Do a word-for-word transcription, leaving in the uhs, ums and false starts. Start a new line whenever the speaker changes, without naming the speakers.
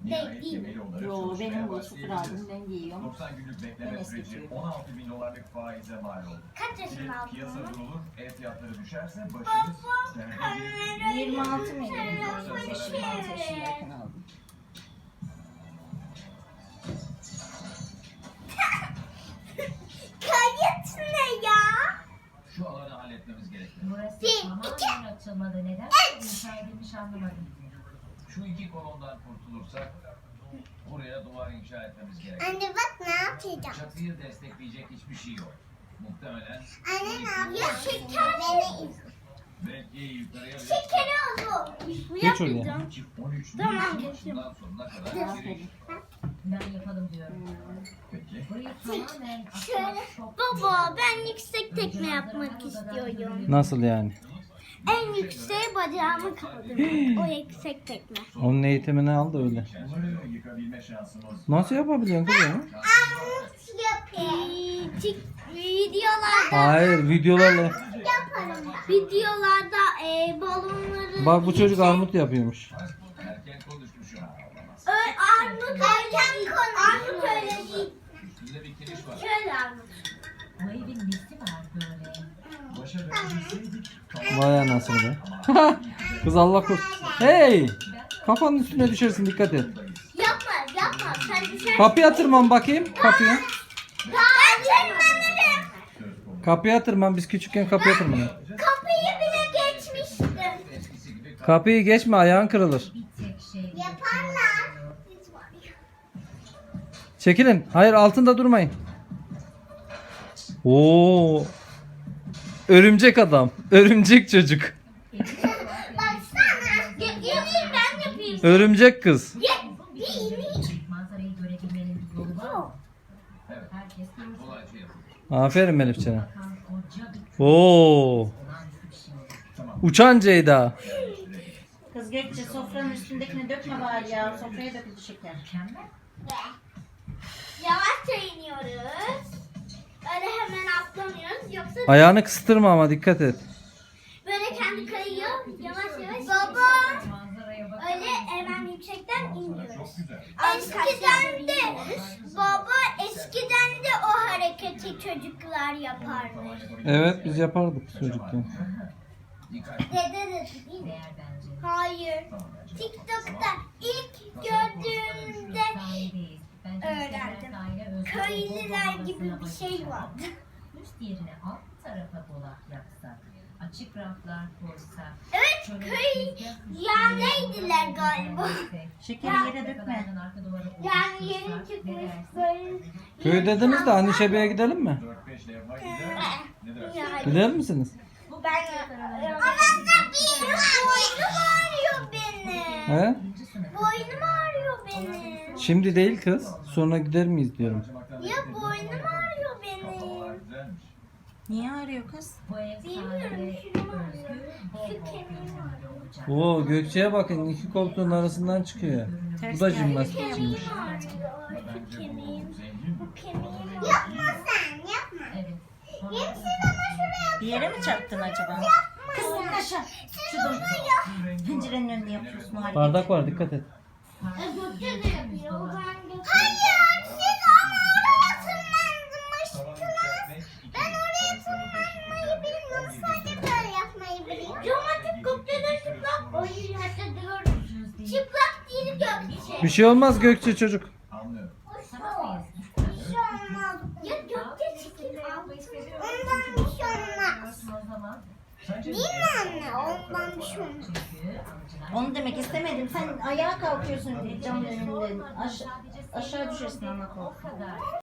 Değil, değil mi?
Yo, benim bu sıfır aldım, ben giyiyorum.
doksan günlük bekleme
Ben
süreci
eskitiyorum.
on altı bin dolarlık faize mal oldu.
Kaç yaşında aldın
Piyasa
onu?
durulur, ev fiyatları düşerse başınız derde
yirmi altı mıydı? yirmi altı yaşındayken aldım.
Kayıt ne ya?
Şu alanı halletmemiz gerekli.
Burası
Bir,
tamamen açılmadı. Neden? İnşa edilmiş anlamadım.
Şu iki kolondan kurtulursak buraya duvar inşa etmemiz gerekli.
Anne bak ne yapacağım?
Çatıyı destekleyecek hiçbir şey yok. Muhtemelen
Anne ne yapıyor? Şeker beni
belki yukarıya bile
Şekeri oldu. Bu
Geç oraya.
yapacağım.
on üç
Tamam,
Nisan
geçtim.
başından sonuna kadar giriş.
Aferin.
Ben yapalım diyorum.
Peki.
Burayı tamamen
Şöyle.
ahşap şok-
Baba ben yüksek tekme yapmak istiyorum.
Nasıl yani?
En yükseğe bacağımı kaldırmak. O yüksek tekme.
Onun eğitimini al da öyle.
Bunları yıkabilme şansımız
Nasıl yapabiliyorsun kızım?
Nasıl yapayım? Videolarda
Hayır, videolarla.
yaparım. Videolarda e, balonları...
Bak bu çocuk armut yapıyormuş.
erken konuşmuşum.
Ö, armut erken konu. Armut öyle değil.
Üstünde bir kiriş var.
Şöyle armut.
Bu evin nesi var böyle?
Başa dönebilseydik
Vay anasını be. Kız Allah korusun. Hey! Kafanın üstüne düşersin, dikkat et.
Yapma yapma. Sen düşersin.
Kapıya tırman bakayım, kapıya.
Ben tırmanırım.
Kapıya tırman, biz küçükken kapıya tırmanıyorduk.
Kapıyı bile geçmiştim.
eskisi gibi
Kapıyı geçme, ayağın kırılır.
Bir tek şey.
Yaparlar.
Çekilin. Hayır, altında durmayın. Oo! Örümcek adam, örümcek çocuk,
Baksana. Gelin ben yapayım.
örümcek kız.
Ye. Değil.
Manzarayı görebilmenin bir yolu var mı?
Evet.
Herkes görsün.
kolayca yapılır.
Aferin Melihcan'a.
Bakan koca bir
Oo!
olağanüstü bir şey.
Uçan Ceyda.
Kız Gökçe, sofranın üstündekini dökme bari ya. Sofraya döküldü şeker.
Mükemmel.
Yavaşça iniyoruz. Öyle hemen atlamıyoruz. Yoksa
Ayağını kıstırma ama dikkat et.
böyle kendi kayıyor. Yavaş yavaş. Baba.
Manzaraya bak.
Öyle hemen yüksekten inmiyoruz.
Çok güzel.
Eskiden de baba eskiden de o hareketi çocuklar yaparmış.
Evet, biz yapardık çocukken.
Dikkat.
Dede de değil mi?
Değer bence.
Hayır. TikTok'ta ilk gördüğümde
Sahibiyiz. Bence
öğrendim.
daire özgür
köylüler
olma
gibi bir
havasına
şey vardı.
Üst yerine alt tarafa dolap yapsak, açık raflar koysak.
Evet,
şöyle
köy
tezgah üstüne
yerleydiler galiba.
düzenlesek,
Şekeri yere dökme.
arka duvara
Yani yeni
oluştursak, ne
çıkmış
dersin?
böyle.
Köy dediniz de Anişebe'ye gidelim mi?
dört beş levha gider. Ne dersin?
Yani.
Gider misiniz?
Bu
Ben
aralarında
Anamda bir boynum ağrıyor benim.
He?
birinci sınıf.
Boynum ağrıyor benim.
Şimdi değil kız. Sonra gider miyiz diyorum.
Ya boynum ağrıyor
Kafalar
benim.
güzelmiş.
Niye ağrıyor kız?
Bu ev
Bilmiyorum,
sahibi
şurum ağrıyor.
özgür, bol
Şu
bol
kemiğim
gözlemli olacak.
Oo, Gökçe'ye bakın, iki koltuğun arasından çıkıyor. Bu da jimnastikçiymiş.
Kemiğim ağrıyor. Şu kemiğim.
Zengin.
Bu kemiğim. Yapma sen yapma.
Evet.
Hepsini ama şuraya
Bir yere mi çarptın acaba? Kız in aşağı. Şuradan pencerenin önünde yapıyorsun o hareketi.
Bardak var, dikkat et.
Gökçe de yapıyor. O zaman Gökçe. Hayır siz ama oraya tırmanmıştınız. Ben oraya tırmanmayı bilmiyorum. Sadece böyle yapmayı biliyorum. Cumatik Gökçe de çıplak. Hayır hatta diyorum. Çıplak değil Gökçe.
Bir şey olmaz Gökçe çocuk.
Anlıyorum.
Bir şey olmaz. Ya Gökçe çıkıyor. Ondan bir şey olmaz.
O zaman
Sence
Değil mi anne? Ondan bir şey olmaz.
çünkü
Onu demek istemedim. Sen ayağa kalkıyorsun camın önünden. Aş aşağı düşersin ana korkudan.
o kadar